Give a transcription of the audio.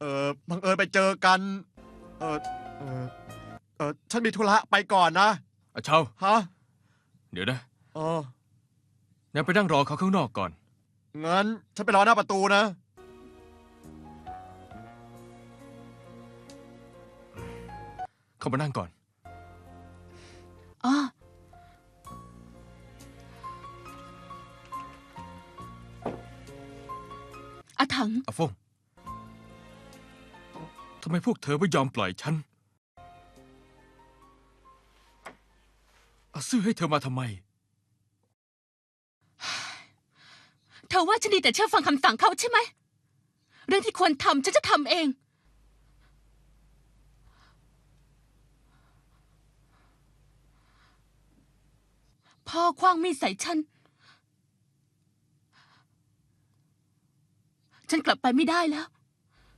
บังเอิญไปเจอกัน เออเออฉันมีธุระไปก่อนนะอาเชาฮะเดี๋ยวนะเอองั้นไปนั่งรอเขาข้างนอกก่อนงั้นฉันไปรอหน้าประตูนะเข้ามานั่งก่อนอ๋ออาถังอาฟงทำไมพวกเธอไม่ยอมปล่อยฉันอาซื่อให้เธอมาทำไมเธอว่าฉันดีแต่เชื่อฟังคำสั่งเขาใช่ไหมเรื่องที่ควรทำฉันจะทำเองพ่อคว้างมีดใส่ฉันกลับไปไม่ได้แล้ว